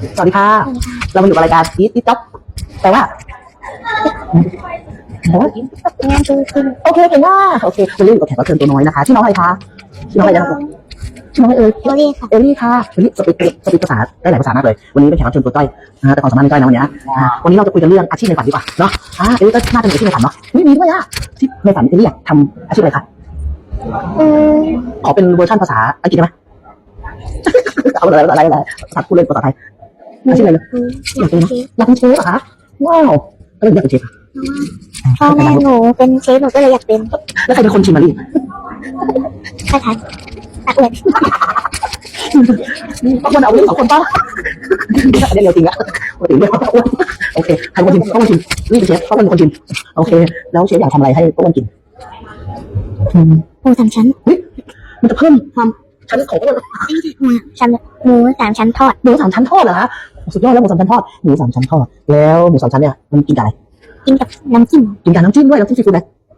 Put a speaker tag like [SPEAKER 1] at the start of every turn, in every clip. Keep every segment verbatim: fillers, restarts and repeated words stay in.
[SPEAKER 1] สวัสดีค่ะเรามาอยู่กับรายการอีทอีทจ็อบแต่ว่าแต่ว่างานคือคือโอเคเก่งมากโอเควันนี้อยู่กับแขกรับเชิญตัวน้อยนะคะชื่อน้องอะไรคะชื่อน้องอะไรนะครับชื่อน้องเอ๋ยเอลลี่ค่ะเอลลี่ค่ะวันนี้สปีดสปีดภาษาได้หลายภาษามากเลยวันนี้เป็นแขกรับเชิญตัวจ้อยนะแต่ความสามารถไม่จ้อยนะวันนี้วันนี้เราจะคุยกันเรื่องอาชีพในฝันดีกว่าเนาะอ่าเอลลี่ก็น่าจะมีอาชีพในฝันเนาะนี่มีด้วยอ่ะที่ในฝันเอลลี่อยากทำอาชีพอะไรคะขอเป็นเวอร์ชันภาษาอังกฤษได้ไหมเอาอะไรอะไรอะไรภาษาพูดเล่นภาษาไทยอาชีพอะไรเลยอยากเป็นอยากเป็นเชฟเหรอคะว้าวก็เลยอยากเป็นเชฟค่ะ
[SPEAKER 2] พ่อแม่หนูเป็นเชฟหนูก็เลยอยากเป็น
[SPEAKER 1] แล้วใครเป็นคนชิมมาลี
[SPEAKER 2] ใช่ค่ะตะอวด
[SPEAKER 1] ต้องคนเอาเรื่องสองคนป่ะเรื่องเร็วจริงอะปกติเรื่องป้าอ้วนโอเคใครเป็นคนชิมป้าอ้วนชิมนี่เป็นเชฟป้าอ้วนเป็นคนชิมโอเคแล้วเชฟอยากทำอะไรให้ป้าอ้วนกิน
[SPEAKER 2] หมูสามชั้น
[SPEAKER 1] มันจะเพิ่มความชั้นของป้าอ้วน
[SPEAKER 2] หมูชั้นหมูสามชั้นทอด
[SPEAKER 1] หมูสามชั้นทอดเหรอฮะสุดยอดแล้วหมูสามชั้นทอดหมูสามชั้นทอดแล้วหมูสามชั้นเนี่ยมันกินกับอะไร
[SPEAKER 2] กินกับน้ำจิ้ม
[SPEAKER 1] กินกับน้ำจิ้มด้วยน้ำจิ้มซีฟู้ดไหม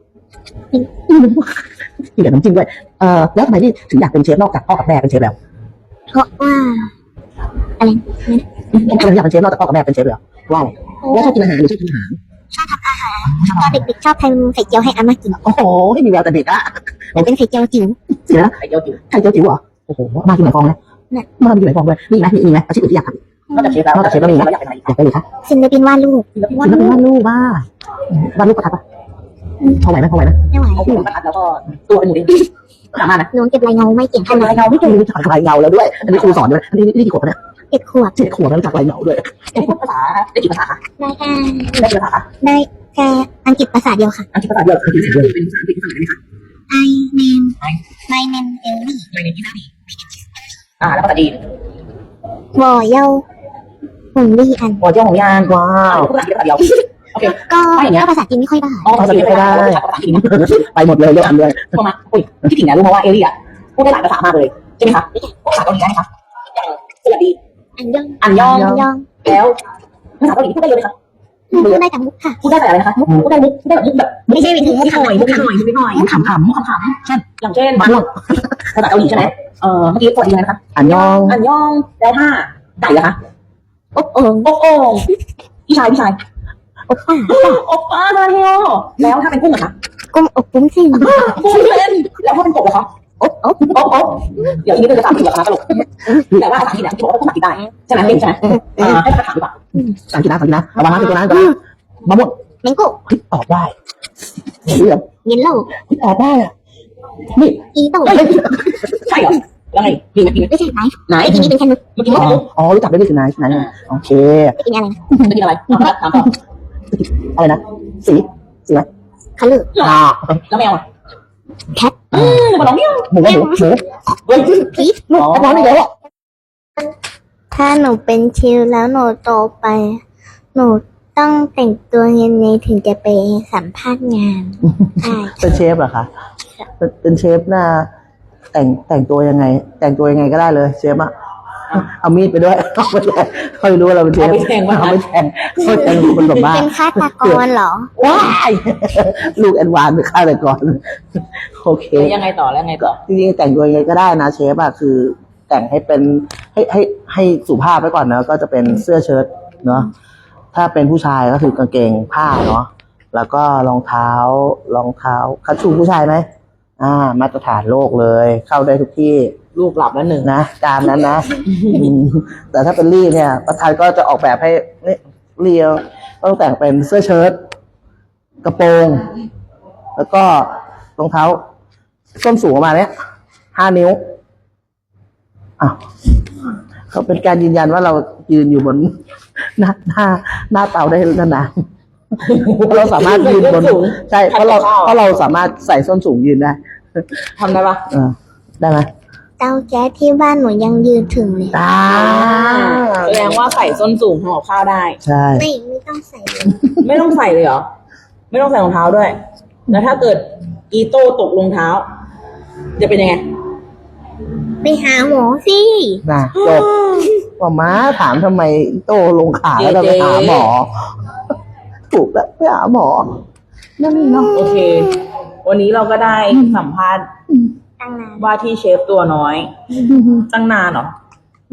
[SPEAKER 1] กินกับน้ำจิ้มด้วยเอ่อแล้วทำไมนี่ถึงอยากเป็นเชฟนอกจากพ่อกับแม่เป็นเชฟแล้ว
[SPEAKER 2] เพราะว่าอะไร
[SPEAKER 1] ทำไมอยากเป็นเชฟนอกจากพ่อกับแม่เป็นเชฟแล้วว่าอะไรแล้วชอบกินอาหารหรือชอบทำอาหาร
[SPEAKER 2] ชอบทำอาหารตอนเด็กๆชอบทำไข่เจียวให้อาม่ากิน
[SPEAKER 1] โอ้โหให้มีแววแต่เด็กอะ
[SPEAKER 2] แต่เป็นไข่เจียวจิ๋ว
[SPEAKER 1] เสียไข่เจียวจิ๋วไข่เจียวจิ๋วเหรอโอ้โหมากินไหนฟองเลยมากินไหนฟองเลยมีไหมมีไหมอาชีพอื่นที่อยากทำนอกจากเชฟแล้วนอกจากเชฟแล้วมีไหมอยากเป็นอะไรอยากเป็นอะไรคะ
[SPEAKER 2] ศิลปินวาดรูป
[SPEAKER 1] ศิลปินวาดรูปบ้าวาดรูปประทับปะพอไหวไหมพอไหวไหม
[SPEAKER 2] ไม่ไหว
[SPEAKER 1] เอาหัวประทับแล้วก็ตัวเป็นหมูดิ้งสามารถนะ
[SPEAKER 2] หนูเก็บลายเงาไม่เก่งเท่าไหร่
[SPEAKER 1] ลายเงาไม่เก่งรู้จักลายเงาแล้วด้วยอันนี้ครูสอนด้วยอันนี้นี่กี่ขวบเนี่ย
[SPEAKER 2] เจ็ดขวบ
[SPEAKER 1] เจ็ดขวบแล้วรู้จักลายเงาด้วยได้ภาษาได้กี่ภาษาคะ
[SPEAKER 2] ได้แค่
[SPEAKER 1] ได้กี่ภาษา
[SPEAKER 2] ได้แค่อังกฤษภาษาเดียวค่ะ
[SPEAKER 1] อังกฤษภาษาเดียวคือภาษาเดียวเป็นภาษาอังกฤษภาษาอะไรไหมคะ
[SPEAKER 2] I name my name Ellie
[SPEAKER 1] my name is Ellie อ่าแล้วภาษาจีน
[SPEAKER 2] วอเย่าหงลี่อัน
[SPEAKER 1] วอเย่าหงลี่อันว้าวภาษาอังกฤษภาษาเดียวโอเค
[SPEAKER 2] ก็ก็ภาษาจีนไม่ค่อยได้
[SPEAKER 1] อ๋อภาษาจีนไม่ได้ไปหมดเลยเยอะอันเลยพอมาอุ้ยพี่ถิ่นนะรู้มาว่าเอลี่อ่ะพูดได้หลายภาษามากเลยใช่ไหมคะภาษาเกาหลีได้ไหมคะอย่างสวัสดี
[SPEAKER 2] อันยอง
[SPEAKER 1] อันยอง
[SPEAKER 2] อันยอง
[SPEAKER 1] แล้วภาษาเกาหลีพูดได้เยอะไหมคะ
[SPEAKER 2] พูดได้แต่มุกค่ะ
[SPEAKER 1] พูดได้แต่อะไรนะคะพูดได้มุกพูดได้แบบมุกแบบ
[SPEAKER 2] ไม่ใช่เป็นมุก
[SPEAKER 1] หน่อยมุกหน่อยมุกหน่อยมุกขำขำมุกขำขำเช่นอย่างเช่นบ้านภาษาเกาหลีใช่ไหมเออเมื่อกี้สวัสดีอะไรนะคะอันยองอันยองแล้วถ้าไก่อะคะ
[SPEAKER 2] อบโอ่ง
[SPEAKER 1] อบโอ่งพี่ชายพี่ชาย
[SPEAKER 2] อบป้า
[SPEAKER 1] อบป้าซาเฮโอแล้วถ้าเป็นกุ้งอะคะ
[SPEAKER 2] กุ้งอบปุ้งเส้น
[SPEAKER 1] กุ้งเส้นแล้วถ้าเป็นกบอะคะอบอบอบอบเดี๋ยวทีนี้เราจะถามถึงราคาตลกแต่ว่าภาษาอังกฤษเนี่ยที่บอกว่าต้องตัดได้ใช่ไหมเก่งใช่ไหมให้ภาษาถามดีกว่าภาษาอังกฤษนะภาษาอังกฤษนะระวังนะตัวนั้นตัวนั้นมะม่วง
[SPEAKER 2] แมงโก้
[SPEAKER 1] ตอบได้เรื่อง
[SPEAKER 2] เยลโล่
[SPEAKER 1] ตอบได้อะนี่
[SPEAKER 2] อีโต้
[SPEAKER 1] ใช่เหรอแล้วไงมีไหมมีไหม
[SPEAKER 2] ไม่ใช่ไหน
[SPEAKER 1] ไหน
[SPEAKER 2] ทีนี้เป็นแค่นึก
[SPEAKER 1] เมื่อกี้ว่าอ๋อรู้จักได้ด้วยสิไหนไหนโอเค
[SPEAKER 2] จะกินอะไรนะ
[SPEAKER 1] จะกินอะไรถามต่ออะไรนะสีสีอะไร
[SPEAKER 2] คัลเลอร์
[SPEAKER 1] อ่าแล้วแมวอ่ะ
[SPEAKER 2] แคท
[SPEAKER 1] มาลองเนี่ยหมูหมูหมูเฮ้ย
[SPEAKER 2] พีช
[SPEAKER 1] อ๋อร้อนอีกแล้วอ่ะ
[SPEAKER 2] ถ้าหนูเป็นชิลแล้วหนูโตไปหนูต้องแต่งตัวยังไงถึงจะไปสัมภาษณ์งานใช่
[SPEAKER 1] เป็นเชฟเหรอคะเป็นเชฟน่ะแต่งแต่งตัวยังไง แต่งตัวยังไงก็ได้เลยเชฟอ่ะเอามีดไปด้วยเขาไม่เขารู้ว่าเราเป็นเชฟ
[SPEAKER 3] เอาไปแทงว่า
[SPEAKER 1] เอาไปแทงเขาแทงคนแบบบ้า
[SPEAKER 2] เป็นฆาตกรเหรอ
[SPEAKER 1] ว้ายลูกแอนวานเป็นฆาตกรโอเค
[SPEAKER 3] ยังไงต่อแล้วไงต่อ
[SPEAKER 1] จริงๆแต่งตัวยังไงก็ได้นะเชฟอ่ะคือแต่งให้เป็นให้ให้ให้สุภาพไว้ก่อนนะก็จะเป็นเสื้อเชิ้ตเนาะถ้าเป็นผู้ชายก็คือกางเกงผ้าเนาะแล้วก็รองเท้ารองเท้าคัชชูผู้ชายไหมอ่ามาตรฐานโลกเลยเข้าได้ทุกที่
[SPEAKER 3] ลูกหลับแล้วหนึ่ง
[SPEAKER 1] นะตามนั้นนะแต่ถ้าเป็นลี่เนี่ยประธานก็จะออกแบบให้นี่เรียวต้องแต่งเป็นเสื้อเชิ้ตกระโปรงแล้วก็รองเท้าส้นสูงประมาณนี้ห้านิ้วอ่ะเขาเป็นการยืนยันว่าเรายืนอยู่บนหน้าหน้าหน้าเตาได้นานๆเราสามารถยืนบนใช่เพราะเราเพราะเราสามารถใส่ส้นสูงยืนได้
[SPEAKER 3] ทำได้ปะ
[SPEAKER 1] เออได้ไหม
[SPEAKER 2] เตาแก๊สที่บ้านหนูยังยืนถึงเลย
[SPEAKER 1] ได้
[SPEAKER 3] แสดงว่าใส่ส้นสูงห่อข้าวได้
[SPEAKER 1] ใช่
[SPEAKER 2] ไม่ไม่ต้องใส่เลย
[SPEAKER 3] ไม่ต้องใส่เลยเหรอไม่ต้องใส่รองเท้าด้วยแล้วถ้าเกิดอีโต้ตกรองเท้าจะเป็นยังไง
[SPEAKER 2] ไปหาหมอสิ
[SPEAKER 1] น่ะจบว่าม้าถามทำไมโตลงขาแล้วไปหาหมอถูกแล้วไปหาหมอนั่นเนาะ
[SPEAKER 3] โอเควันนี้เราก็ได้สัมภาษณ์ว่าที่เชฟตัวน้อยตั้งนานเหรอ
[SPEAKER 2] ไม่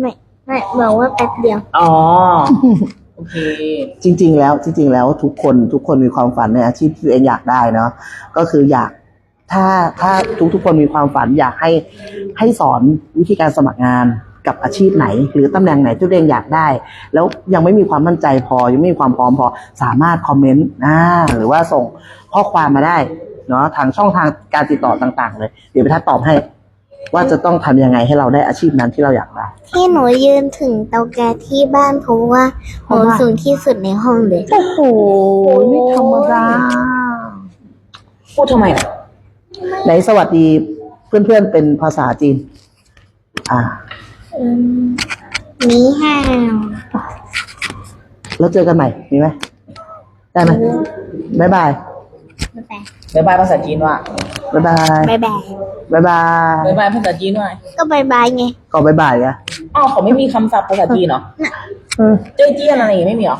[SPEAKER 2] ไม่บอกว่าแป๊บเดียว
[SPEAKER 3] อ๋อ โอเค
[SPEAKER 1] จริง ๆ แล้วจริง ๆ แล้วทุกคนทุกคนมีความฝันในอาชีพที่ตัวเองอยากได้เนาะก็คืออยากถ้าถ้าทุกทุกคนมีความฝันอยากให้ให้สอนวิธีการสมัครงานกับอาชีพไหน หรือตำแหน่งไหนที่ตัวเองอยากได้ แล้วยังไม่มีความมั่นใจพอยังไม่มีความพร้อมพอสามารถคอมเมนต์อ่าหรือว่าส่งข้อความมาได้เนาะทางช่องทางการติดต่อต่างๆเลยเดี๋ยวไปทัดตอบให้ ว่าจะต้องทำยังไงให้เราได้อาชีพนั้นที่เราอยากได้
[SPEAKER 2] ที่หนูยืนถึงเตาแก๊สที่บ้านเพราะว่าหนูสูงที่สุดในห้องเลย
[SPEAKER 1] โอ้โหไม่ธรรมดา
[SPEAKER 3] พูดทำไมอ่ะ
[SPEAKER 1] ไหนสวัสดีเพื่อนๆเป็นภาษาจีน อ่า
[SPEAKER 2] อืมนี่ห้าว
[SPEAKER 1] แล้วเจอกันใหม่ มีไหม ได้ไหมบ๊ายบาย
[SPEAKER 2] บ๊ายบาย
[SPEAKER 3] บ๊ายบายภาษาจีนว่า
[SPEAKER 1] บ๊ายบาย
[SPEAKER 2] บ๊ายบาย
[SPEAKER 1] บ๊ายบาย
[SPEAKER 3] บ๊ายบายภาษาจีนว่า
[SPEAKER 2] ก็บ๊ายบายไง
[SPEAKER 1] ก็บ๊ายบายอะ
[SPEAKER 3] อ้าวเขาไม่มีคำศัพท์ภาษาจีนเหรอ
[SPEAKER 1] เออ
[SPEAKER 3] เจ้ยเจี้ยนอะไรอย่างงี้ไม่มีเหรอ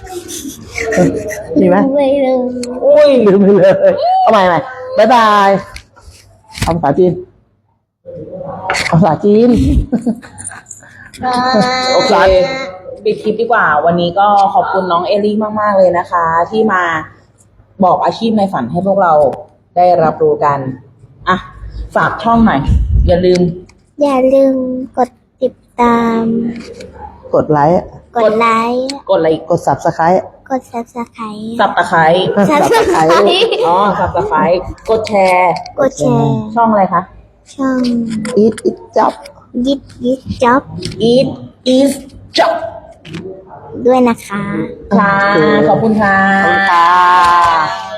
[SPEAKER 1] มีไหม
[SPEAKER 2] ไม่เลย
[SPEAKER 3] อุ้ย
[SPEAKER 1] ลืมไปเลยเอาใหม่ใหม่บ๊ายบายเอาภาษาจีนเอาภาษาจีน
[SPEAKER 3] โอเค ปิดคลิปดีกว่า วันนี้ก็ขอบคุณน้องเอลี่มาก ๆ เลยนะคะ ที่มาบอกอาชีพในฝันให้พวกเราได้รับรู้กัน อ่ะ ฝากช่องหน่อย อย่าลืม
[SPEAKER 2] อย่าลืมกดติดตาม
[SPEAKER 1] กดไลค์
[SPEAKER 2] กดไลค์
[SPEAKER 3] กดอะไรอีก
[SPEAKER 1] กด subscribe
[SPEAKER 2] กด subscribe
[SPEAKER 3] สับตะไคร้
[SPEAKER 2] subscribe
[SPEAKER 3] อ๋อ สับตะไคร้กดแชร์
[SPEAKER 2] กดแชร์
[SPEAKER 3] ช่องอะไรคะ
[SPEAKER 2] ช่อง
[SPEAKER 1] eat it job
[SPEAKER 2] ยิบยิบจ็อบ
[SPEAKER 3] eat is job
[SPEAKER 2] ด้วยนะคะ
[SPEAKER 3] ค่ะ ขอบคุณค่ะ
[SPEAKER 1] ขอบคุณค่ะ